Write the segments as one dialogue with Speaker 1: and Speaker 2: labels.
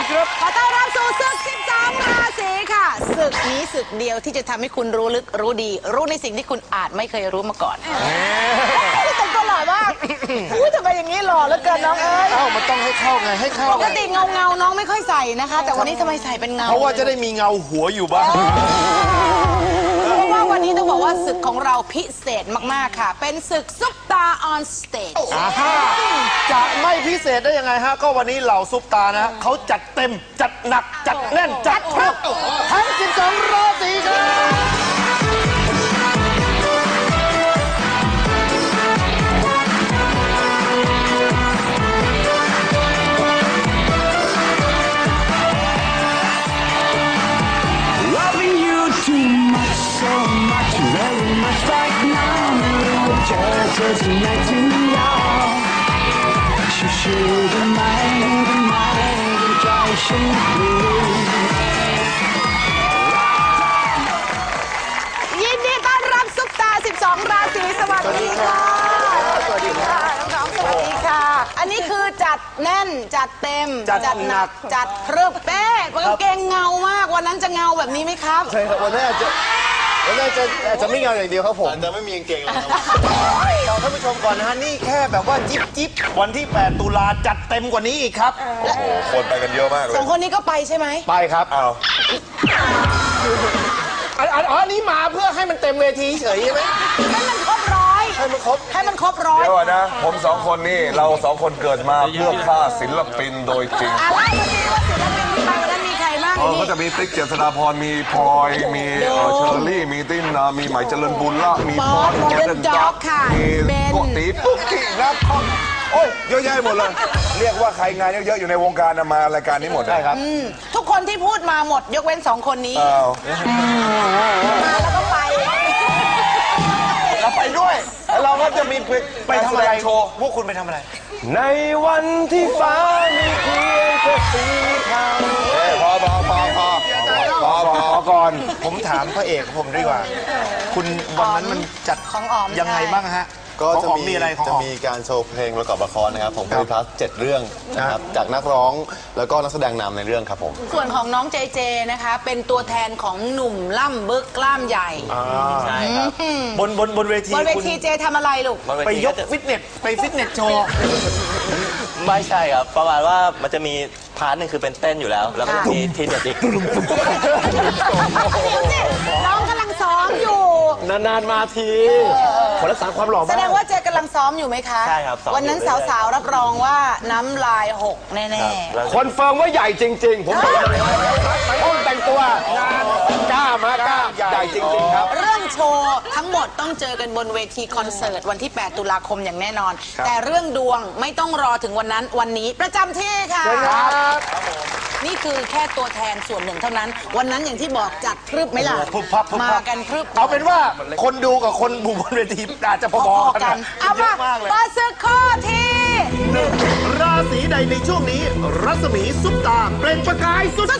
Speaker 1: ครับ
Speaker 2: ขอต้อนรับสู่ศึก12ราศีค่ะศึกนี้ศึกเดียวที่จะทำให้คุณรู้ลึกรู้ดีรู้ในสิ่งที่คุณอาจไม่เคยรู้มาก่อนแต่งตัวหล่อมากทำไมอย่างนี้หล่อเหลือเกินน้องเอ้ย
Speaker 1: มันต้องให้เข้าไงให้เข้า
Speaker 2: ปกติเงาน้องไม่ค่อยใส่นะคะ แต่วันนี้ทำไมใส่เป็นเงา
Speaker 1: เพราะว่าจะได้มีเงาหัวอยู่บ้าง
Speaker 2: เพราะว่าวันนี้ต้องบอกว่าศึกของเราพิเศษมากๆค่ะเป็นศึกซุปตาออนสเตจ
Speaker 1: จะไม่พิเศษได้ยังไงฮะก็วันนี้เหล่าซุปตานะเขาจัดเต็มจัดหนักจัดแน่นจัดครบทั้ง12ราศีครับ
Speaker 3: Just night to y'all. She should have mind dry shade blue.
Speaker 2: ยินดีต้อนรับซุปตา12ราศีสวัสดีค่ะ
Speaker 1: สวัสดีค่ะ
Speaker 2: น้องๆสวัสดีค่ะอันนี้คือจัดแน่นจัดเต็มจัดหนักจัดพรึบเป๊ะกางเกงเงามากวันนั้นจะเงาแบบนี้ไหมครับ
Speaker 1: ใช่ครับวันนี้อาจจะไม่เงาอย่างเดียวครับผมจะไม่มีกางเกงเลยครับท่านผู้ชมก่อนนะฮะนี่แค่แบบว่าจิ๊บวันที่8ตุลาจัดเต็มกว่านี้อีกครับ
Speaker 4: โอ้โหคนไปกันเยอะมากเลย
Speaker 2: 2คนนี้ก็ไปใช่ไหม
Speaker 1: ไปครับ
Speaker 4: อ้าว
Speaker 1: อันนี้มาเพื่อให้มันเต็มเวทีเฉยใช่ไหม
Speaker 2: ให้มันครบร้อย
Speaker 1: ให้มันครบ
Speaker 2: ร้อย
Speaker 4: เดี๋ยวนะผม2คนนี่เรา2คนเกิดมาเพื่อฆ่าศิลปินโดยจริง
Speaker 2: อะไรวันนี้ว่าศิลปินที่ไปวันนั้นมีใครบ้าง
Speaker 4: ก็จะมีติ๊กเจษฎาพรมีพลอยมีเชอร์รี่มีติ้นมีไหมเจริญบุญละมีพร
Speaker 2: โมเดลจ็อกค่ะ
Speaker 4: มีโกตีปุ๊กกี้นะโอ้ยเยอะแยะหมดเลยเรียกว่าใครงานเยอะๆอยู่ในวงการมารายการนี้หมด
Speaker 1: ได้ครับ
Speaker 2: ทุกคนที่พูดมาหมดยกเว้น2คนนี้มาแล้วก็ไป
Speaker 1: เราไปด้วยเราก็จะมีไปทำอะไรโชว์พวกคุณไปทำอะไรในวันที่ฟ้ามีเพียงแค่สีขาว
Speaker 4: พอ
Speaker 1: ก่อนผมถามพระเอกผมดีกว่าคุณวันนั้นมันจัด
Speaker 2: ของอ๋อม
Speaker 1: ยังไงบ้างฮะ
Speaker 5: ก็จะมีการโชว์เพลงประกอบละครนะครับผมโพลิพลัส7 เรื่องนะครับจากนักร้องแล้วก็นักแสดงนำในเรื่องครับผม
Speaker 2: ส่วนของน้องเจเจนะคะเป็นตัวแทนของหนุ่มล่ำบึกกล้ามใหญ่
Speaker 1: ใช่ครับบนเวที
Speaker 2: เจทำอะไรลูก
Speaker 1: ไปยกฟิตเนสโชว์
Speaker 6: ไม่ใช่ครับประมาณว่ามันจะมีพาร์ทหนึ่งคือเป็นเต้นอยู่แล้วแล้วก็มีทีเด็ดอีก
Speaker 2: น้องกำลังซ้อมอยู่
Speaker 1: นานมาทีคนรักษาความหล่อ
Speaker 2: แสดงว่าเจกำลังซ้อมอยู่ไหมคะ
Speaker 6: ใช่ครับ
Speaker 2: วันนั้นสาวๆรับรองว่าน้ำลายหกแน่
Speaker 1: ๆคอนเฟิร์มว่าใหญ่จริงๆผมบอกเลยห้องแต่งตัวงานกล้ใหญ่จริงๆครับ
Speaker 2: เรื่องโชว์ทั้งหมดต้องเจอกันบนเวทีคอนเสิร์ตวันที่8ตุลาคมอย่างแน่นอนแต่เรื่องดวงไม่ต้องรอถึงวันนั้นวันนี้ประจำที่ค่ะนี่คือแค่ตัวแทนส่วนหนึ่งเท่านั้นวันนั้นอย่างที่บอกจัดพรึบไหมล่ะมากันพรึบ
Speaker 1: เอาเป็นว่าคนดูกับคนบุบนเวทีอาจจะพอๆกัน
Speaker 2: เอามาเปิดศึกข้อที่
Speaker 1: 1ราศีใดในช่วงนี้รัศมีซุปตาเปล่งประกายสุด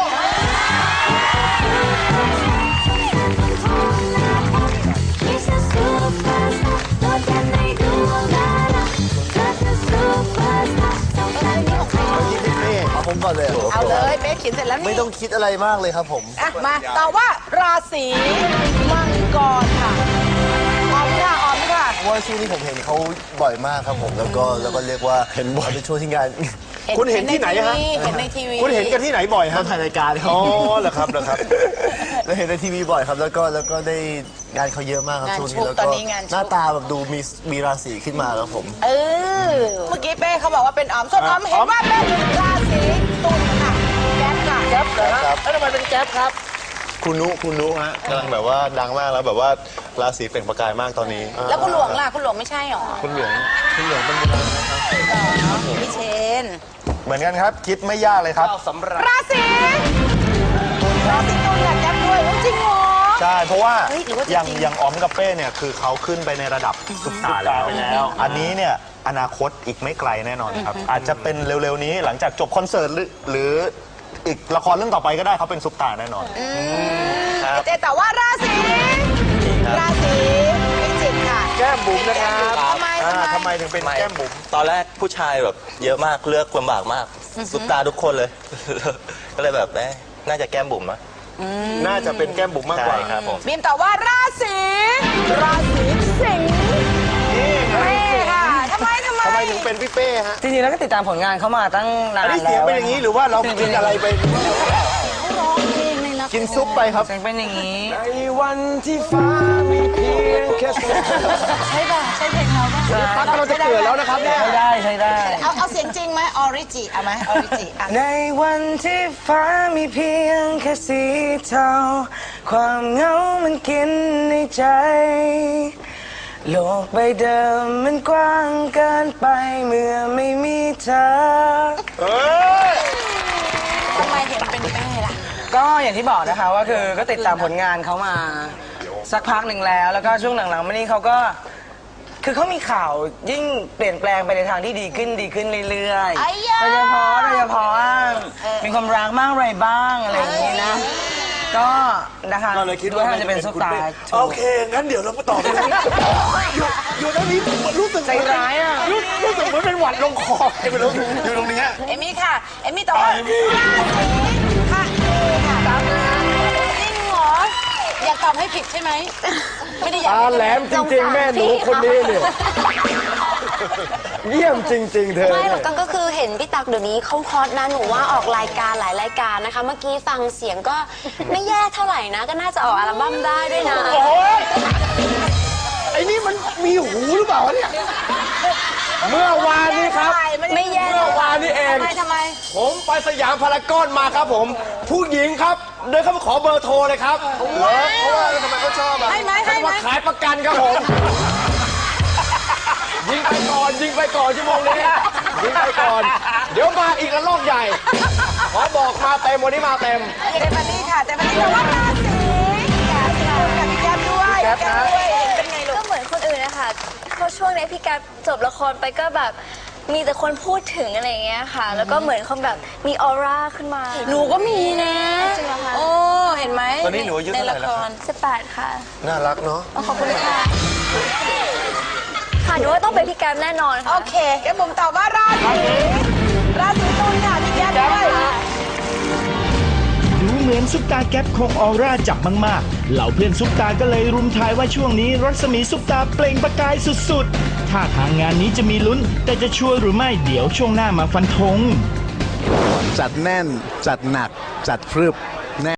Speaker 1: ผมก่อนเลย
Speaker 2: เอาเลยเป๊กเขียนเสร็จแล้วนี่
Speaker 1: ไม่ต้องคิดอะไรมากเลยครับผม
Speaker 2: มาต่อว่าราศีมังกรค่ะออมค่ะ
Speaker 5: ว่าช่วงนี้ผมเห็นเขาบ่อยมากครับผมแล้วก็เรียกว่าเห็นบ่อยเป็นช่วงที่งาน
Speaker 1: คุณเห็นที่ไหนฮะ
Speaker 2: เห็นในทีวี
Speaker 1: คุณเห็นกันที่ไหนบ่อยฮะ
Speaker 5: ถ่ายรายการ
Speaker 1: อ๋อเหรอครับ
Speaker 5: แล้วเห็นในทีวีบ่อยครับแล้วก็ได้งานเขาเยอะมากครับช่วงนี้แล้วก็หน้าตาแบบดูมีราศีขึ้นมาแล้วผม
Speaker 2: เมื่อกี้เป้เขาบอกว่าเป็นอ๋อมส่วนอ๋อมเห็นว่าเป็นราศีตุลค่ะแก๊ปค่ะ
Speaker 1: แก๊ปเหรอครับแล้วทำไมเป็นแก๊ปครับ
Speaker 5: คุณนุฮะกำลังแบบว่าดังมากแล้วแบบว่าราศีเปล่งประกายมากตอนนี้
Speaker 2: แล้วคุณหลวงล่ะคุณหลวงไม่ใช่หรอ
Speaker 5: คุณหลวงเป็นยังไง
Speaker 2: ครับพี่เชน
Speaker 1: เหมือนกันครับคิดไม่ยากเลยครับ
Speaker 2: ราศีตุลเนี่ยแก๊ปด้วยจริงเหรอ
Speaker 1: ใช่เพราะว่าอย่างอ๋อมกับเป้เนี่ยคือเขาขึ้นไปในระดับซุปตาร์แล้วอันนี้เนี่ยอนาคตอีกไม่ไกลแน่นอนครับอาจจะเป็นเร็วๆนี้หลังจากจบคอนเสิร์ตหรืออีกละครเรื่องต่อไปก็ได้เขาเป็นซุปตาร์แน่นอน
Speaker 2: เจแต่ว่าราศีพิจิกค่ะ
Speaker 1: แก้มบุ๋มนะครับ
Speaker 2: ทำไม
Speaker 1: ถึงเป็นแก้มบุ๋ม
Speaker 6: ตอนแรกผู้ชายแบบเยอะมากเลือกลำบากมากซุปตาทุกคนเลย ก็เลยแบบน่าจะแก้มบุ๋มอะ
Speaker 5: น่าจะเป็นแก้มบุ๋มมากก
Speaker 6: ใช่
Speaker 5: ว่า
Speaker 6: ครับผม
Speaker 2: บีมตอบว่าราศีสิงห์เป้ค่ะทำไม
Speaker 5: ทำไมถึงเป็นพี่เป้ฮะ
Speaker 7: จริงๆแล้วก็ติดตามผลงานเขามาตั้งนาน
Speaker 5: อันนี้เสียงเป็นอย่างนี้หรือว่าเรากินอะไรไป
Speaker 2: ร้องเพลงในละคร
Speaker 5: กินซุปไปครับ
Speaker 7: เสียงเป็นอย่างนี้
Speaker 5: ในวันที่ฟ้ามีเพียงแค่
Speaker 2: ใช่ป่ะใช่เพลงเราป่ะ
Speaker 5: ตั๊กเราจะเกิดแล้วนะครับเนี่ย
Speaker 7: ใช้ได้ใช้ได้
Speaker 2: เอาเสียงจริงไหมออริจิเอาไหมออริจิอ่ะ
Speaker 7: ในวันที่ฟ้ามีเพียงแค่สีเทาความเหงามันกินในใจ โลกใบเดิมมันกว้างเกินไปเมื่อไม่มีเธอ
Speaker 2: ทำไมเห็นเป็นเป้ล่ะ
Speaker 7: ก็อย่างที่บอกนะคะว่าคือก็ติดตามผลงานเขามาสักพักหนึ่งแล้ว แล้วก็ช่วงหลังๆมานี้เขาก็คือเขามีข่าวยิ่งเปลี่ยนแปลงไปในทางที่ดีขึ้นเรื่อย
Speaker 2: ไอ้ยา
Speaker 7: โดยเฉพาะว่ามีความรักบ้างอะไรบ้างอะไรอย่างนี้นะ ก็นะคะ
Speaker 5: เราเลยคิดว่า
Speaker 7: มันจะเป็นซุปตาร์
Speaker 5: โอเค งั้นเดี๋ยวเราไปต่อกันอยู่ตรงนี้รู้สึก
Speaker 7: ใจร้ายอ่ะ
Speaker 5: รู้สึกเหมือนเป็นหวัดลงคอใครไม่รู้อยู่ตรงนี้
Speaker 2: เอมี่ค่ะ เอมี่ตอบว่าราศีค่ะตามนะจริงเหรอ อยากตอบให้ผิดใช่ไหม ไม่ได้อยาก
Speaker 5: ตาแหลมจริงๆ แม่หนูคนนี้เนี่ยเยี่ยมจริง ๆ เธอ
Speaker 8: ไม่หรอกกันก็คือเห็นพี่ตักเดี๋ยวนี้เขาฮอตนะหนูว่าออกรายการหลายรายการนะคะ เมื่อกี้ฟังเสียงก็ไม่แย่เท่าไหร่นะ ก็น่าจะออกอัลบั้มได้ด้วยนะ
Speaker 5: โอ้ยไอ้นี่มันมีหูหรือเปล่าวะเนี่ย เมื่อวานนี้ครับ
Speaker 8: ไม่แย่
Speaker 5: เมื่อวานนี้เอง
Speaker 2: ทำไม
Speaker 5: ผมไปสยามพารากอนมาครับผม ผู้หญิงครับ เดินเข้ามาขอเบอร์โทรเลยครับเพราะว่าทำไมเขาชอบอะ
Speaker 2: ให้ไหม
Speaker 5: เขาจะมาขายประกันครับผม ยิงไปก่อนชั่วโมงนี้ยิงไปก่อน เดี๋ยวมาอีกระลอกใหญ่ ขอบอกมาเต็มวันนี้มาเต็ม
Speaker 2: เจมานี่ค่ะเจมานี่ตอบว่าราศีกับพี่แก๊ปด้วยแก๊ปด้วยเป็นไงลู
Speaker 8: ก็
Speaker 2: ก
Speaker 8: เหมือนคนอื่นนะคะเพราะช่วงนี้พี่แกจบละครไปก็แบบมีแต่คนพูดถึงอะไรอย่างเงี้ยค่ะ แล้วก็เหมือนเขาแบบมีออร่าขึ้นมา
Speaker 2: หนูก็มีนะ
Speaker 8: จริงเหรอคะ
Speaker 2: โอ้ เห็นไหม
Speaker 5: ตอนนี้หนูอายุเท่าไหร่แล้วครับ
Speaker 8: 18 ค่ะ
Speaker 5: น่ารักเนาะ
Speaker 8: ขอบคุณค่ะ ค่ะหนูว่าต้องเป็นพี่แกมแน่นอน
Speaker 2: โอ
Speaker 8: ค่ะ
Speaker 2: เคแกผมตอบว่าราศีตุลค่ะพี่แก๊ปด้วย
Speaker 9: ดูเหมือนซุปตาแก๊ปคงออร่าจับมากๆ เหล่าเพื่อนซุปตาก็เลยรุมทายว่าช่วงนี้รัศมีซุปตาเปล่งประกายสุดๆ ถ้าทางงานนี้จะมีลุ้น แต่จะชัวร์หรือไม่เดี๋ยวช่วงหน้ามาฟันธง
Speaker 10: จัดแน่น จัดหนัก จัดพรึบ